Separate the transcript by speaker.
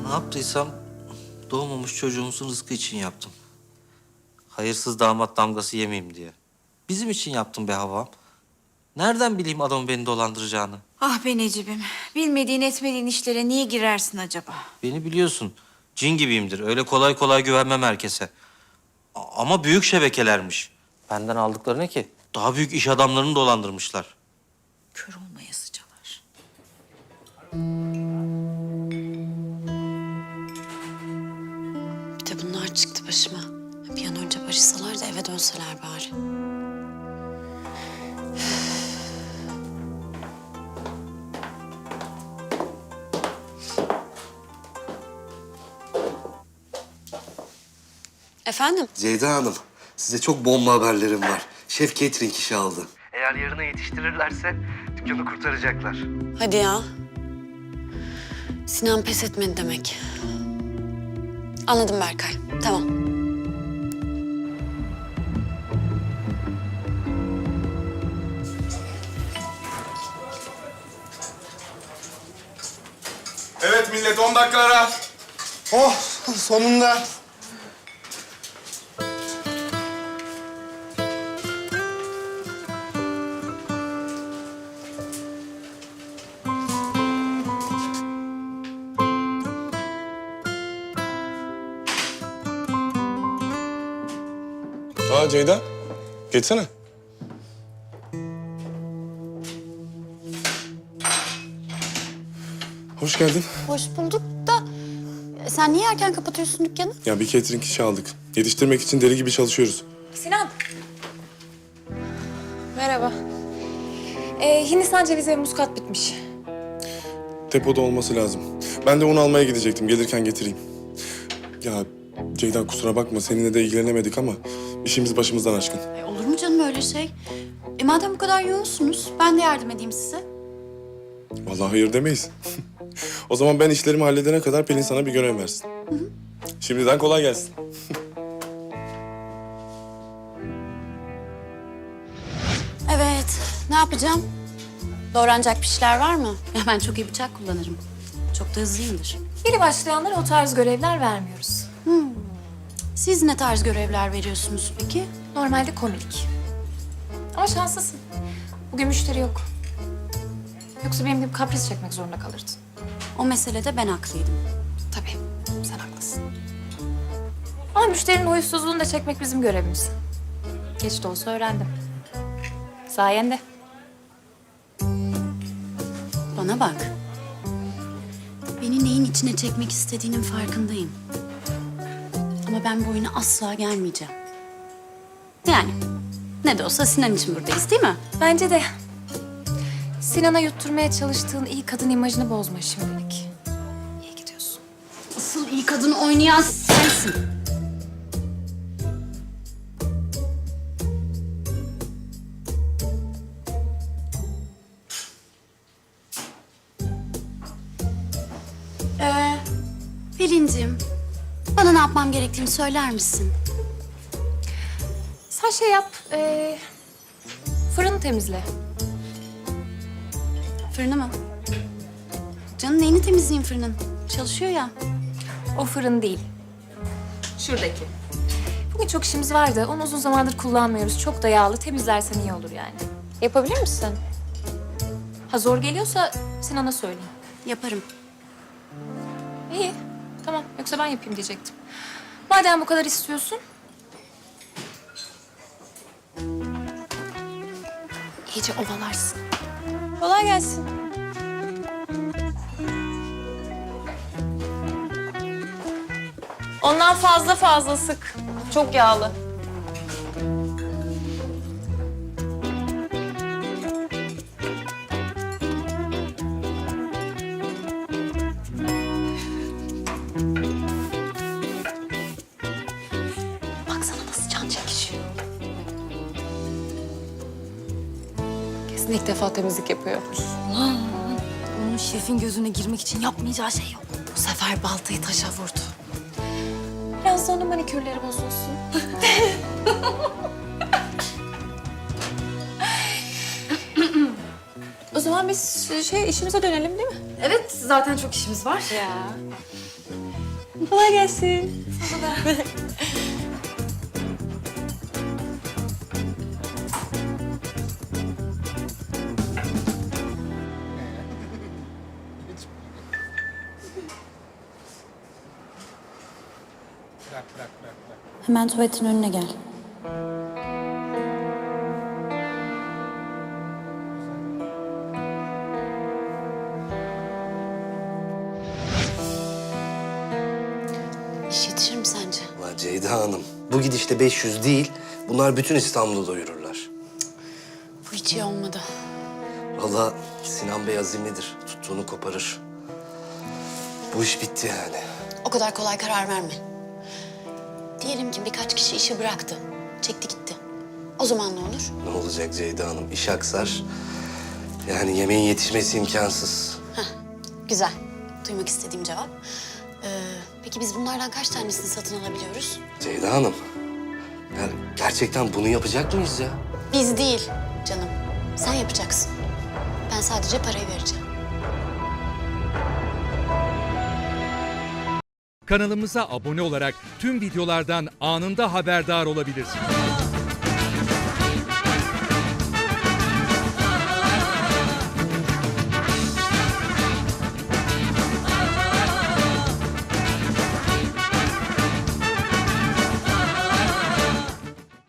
Speaker 1: Ne yaptıysam doğmamış çocuğumuzun rızkı için yaptım. Hayırsız damat damgası yemeyeyim diye. Bizim için yaptım be Havvam. Nereden bileyim adamın beni dolandıracağını?
Speaker 2: Ah be Necip'im. Bilmediğin etmediğin işlere niye girersin acaba?
Speaker 1: Beni biliyorsun. Cin gibiyimdir. Öyle kolay kolay güvenmem herkese. Ama büyük şebekelermiş. Benden aldıkları ne ki? Daha büyük iş adamlarını dolandırmışlar.
Speaker 2: Kör olmaya sıcalar.
Speaker 3: Bir de bunlar çıktı başıma. Bir an önce barışsalar da eve dönseler bari. Efendim?
Speaker 4: Ceyda Hanım, size çok bomba haberlerim var. Şef catering işi aldı.
Speaker 1: Eğer yarına yetiştirirlerse dükkanı kurtaracaklar.
Speaker 3: Hadi ya. Sinan pes etmedi demek. Anladım Berkay. Tamam.
Speaker 5: Evet millet 10 dakika ara.
Speaker 4: Oh, sonunda.
Speaker 5: Aa Ceyda, geçsene. Hoş geldin.
Speaker 3: Hoş bulduk da sen niye erken kapatıyorsun dükkanı?
Speaker 5: Ya bir catering işi aldık. Yetiştirmek için deli gibi çalışıyoruz.
Speaker 6: Sinan. Merhaba. Hindistan cevizi ve muskat bitmiş.
Speaker 5: Depoda olması lazım. Ben de un almaya gidecektim. Gelirken getireyim. Ya Ceyda kusura bakma seninle de ilgilenemedik ama işimiz başımızdan aşkın.
Speaker 3: Olur mu canım öyle şey? Madem bu kadar yoğunsunuz ben de yardım edeyim size.
Speaker 5: Vallahi hayır demeyiz. O zaman ben işlerimi halledene kadar Pelin sana bir görev versin. Şimdiden kolay gelsin.
Speaker 3: Evet, ne yapacağım? Doğranacak bir şeyler var mı? Ya ben çok iyi bıçak kullanırım. Çok da hızlıyımdır.
Speaker 6: Yeni başlayanlara o tarz görevler vermiyoruz.
Speaker 3: Siz ne tarz görevler veriyorsunuz peki?
Speaker 6: Normalde komilik. Ama şanslısın. Bugün müşteri yok. Yoksa benim gibi kapris çekmek zorunda kalırdın.
Speaker 3: O meselede ben haklıydım.
Speaker 6: Tabii, sen haklısın. Ama müşterinin huysuzluğunu da çekmek bizim görevimiz. Geç de olsa öğrendim. Sayende.
Speaker 3: Bana bak. Beni neyin içine çekmek istediğinin farkındayım. Ama ben bu oyuna asla gelmeyeceğim. Yani ne de olsa Sinan için buradayız değil mi?
Speaker 6: Bence de Sinan'a yutturmaya çalıştığın iyi kadın imajını bozma şimdilik. İyi gidiyorsun.
Speaker 3: Asıl iyi kadın oynayan sensin. Pelin'cim, bana ne yapmam gerektiğini söyler misin?
Speaker 6: Sen şey yap, fırını temizle.
Speaker 3: Fırını mı? Canım neyini temizleyeyim fırının? Çalışıyor ya.
Speaker 6: O fırın değil. Şuradaki. Bugün çok işimiz vardı. Onu uzun zamandır kullanmıyoruz. Çok da yağlı. Temizlersen iyi olur yani. Yapabilir misin? Ha zor geliyorsa Sinan'a söyleyeyim.
Speaker 3: Yaparım.
Speaker 6: İyi. Tamam. Yoksa ben yapayım diyecektim. Madem bu kadar istiyorsun. İyice ovalarsın. Kolay gelsin. Ondan fazla sık. Çok yağlı.
Speaker 3: Baksana nasıl can çekişiyor.
Speaker 6: Kesin ilk defa temizlik yapıyor.
Speaker 3: Onun şefin gözüne girmek için yapmayacağı şey yok. Bu sefer baltayı taşa vurdu.
Speaker 6: Biraz da onun manikürleri bozulsun. O zaman biz işimize dönelim değil mi?
Speaker 7: Evet, zaten çok işimiz var.
Speaker 6: Ya. Kolay gelsin.
Speaker 3: Hemen tuvaletin önüne gel. İş yetişir mi sence?
Speaker 4: Ulan Ceyda Hanım, bu gidişte 500 değil, bunlar bütün İstanbul'u doyururlar.
Speaker 3: Bu hiç iyi olmadı.
Speaker 4: Vallahi Sinan Bey azimlidir, tuttuğunu koparır. Bu iş bitti yani.
Speaker 3: O kadar kolay karar verme. Diyelim ki birkaç kişi işi bıraktı. Çekti gitti. O zaman ne olur?
Speaker 4: Ne olacak Ceyda Hanım, iş aksar. Yani yemeğin yetişmesi imkansız.
Speaker 3: Güzel. Duymak istediğim cevap. Peki biz bunlardan kaç tanesini satın alabiliyoruz?
Speaker 4: Ceyda Hanım, yani gerçekten bunu yapacak mıyız ya?
Speaker 3: Biz değil canım. Sen yapacaksın. Ben sadece parayı vereceğim.
Speaker 7: Kanalımıza abone olarak tüm videolardan anında haberdar olabilirsiniz.